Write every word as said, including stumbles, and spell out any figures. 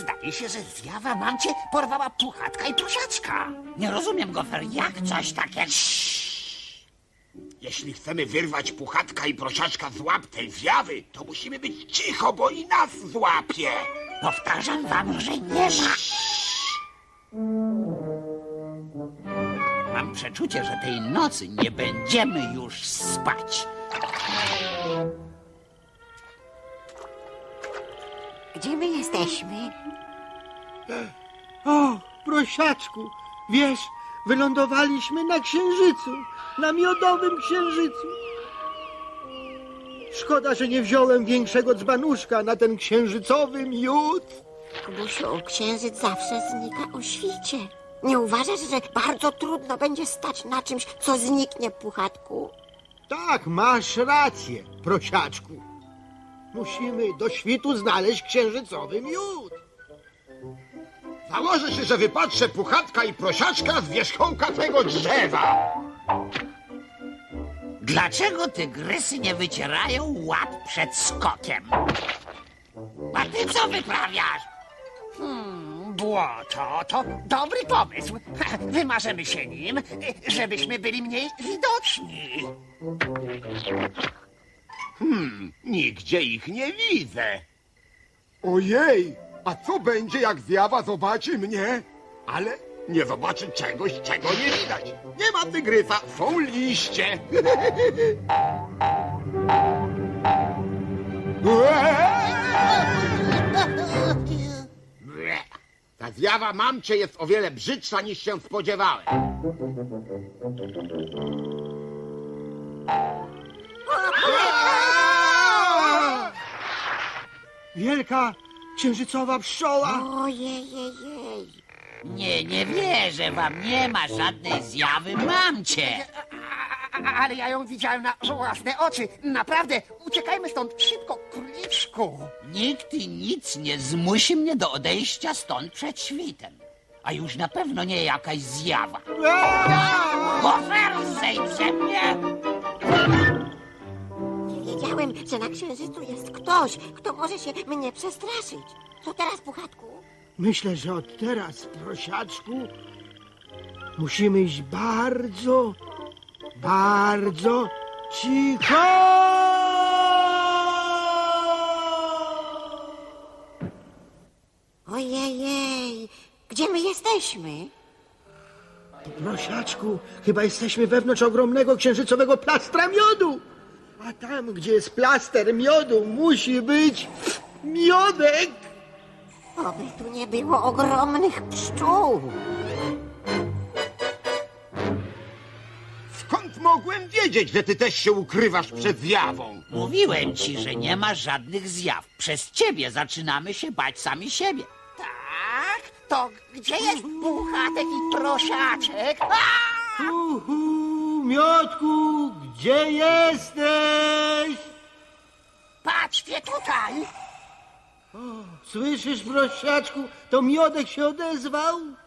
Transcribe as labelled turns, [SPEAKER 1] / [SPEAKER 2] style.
[SPEAKER 1] Zdaje się, że zjawa mamcie porwała Puchatka i Prosiaczka. Nie rozumiem, Gofer, jak coś takiego...
[SPEAKER 2] Jeśli chcemy wyrwać Puchatka i Prosiaczka z łap tej zjawy, to musimy być cicho, bo i nas złapie.
[SPEAKER 1] Powtarzam wam, że nie ma. Mam przeczucie, że tej nocy nie będziemy już spać.
[SPEAKER 3] Gdzie my jesteśmy?
[SPEAKER 4] O, Prosiaczku, wiesz, wylądowaliśmy na Księżycu, na miodowym Księżycu. Szkoda, że nie wziąłem większego dzbanuszka na ten księżycowy miód.
[SPEAKER 3] Kubusiu, księżyc zawsze znika o świcie. Nie uważasz, że bardzo trudno będzie stać na czymś, co zniknie, Puchatku?
[SPEAKER 4] Tak, masz rację, Prosiaczku. Musimy do świtu znaleźć księżycowy miód.
[SPEAKER 2] Założę się, że wypatrzę Puchatka i Prosiaczka z wierzchołka tego drzewa.
[SPEAKER 1] Dlaczego tygrysy nie wycierają łap przed skokiem? A ty co wyprawiasz? Hmm, błoto to dobry pomysł. Wymarzymy się nim, żebyśmy byli mniej widoczni.
[SPEAKER 2] Hmm, nigdzie ich nie widzę.
[SPEAKER 5] Ojej, a co będzie, jak zjawa zobaczy mnie?
[SPEAKER 2] Ale nie zobaczy czegoś, czego nie widać. Nie ma tygrysa, są liście. Ble. Ta zjawa mamcie jest o wiele brzydsza, niż się spodziewałem.
[SPEAKER 4] Wielka księżycowa pszczoła.
[SPEAKER 3] Ojej.
[SPEAKER 1] Nie, nie wierzę wam, nie ma żadnej zjawy mamcie.
[SPEAKER 6] Ale ja ją widziałem na własne oczy. Naprawdę, uciekajmy stąd szybko, króliczku.
[SPEAKER 1] Nikt i nic nie zmusi mnie do odejścia stąd przed świtem. A już na pewno nie jakaś zjawa. Gofer, zejdź ze mnie!
[SPEAKER 3] Nie wiedziałem, że na księżycu jest ktoś, kto może się mnie przestraszyć. Co teraz, Puchatku?
[SPEAKER 4] Myślę, że od teraz, Prosiaczku, musimy iść bardzo, bardzo cicho.
[SPEAKER 3] Ojej, gdzie my jesteśmy?
[SPEAKER 4] Prosiaczku, chyba jesteśmy wewnątrz ogromnego księżycowego plastra miodu. A tam, gdzie jest plaster miodu, musi być miodek.
[SPEAKER 3] Oby tu nie było ogromnych pszczół.
[SPEAKER 2] Skąd mogłem wiedzieć, że ty też się ukrywasz przed zjawą?
[SPEAKER 1] Mówiłem ci, że nie ma żadnych zjaw. Przez ciebie zaczynamy się bać sami siebie.
[SPEAKER 6] Tak? To gdzie jest Puchatek i Prosiaczek? A!
[SPEAKER 4] Uhu, miodku, gdzie jesteś?
[SPEAKER 6] Patrzcie tutaj!
[SPEAKER 4] Słyszysz, Prosiaczku, to miodek się odezwał?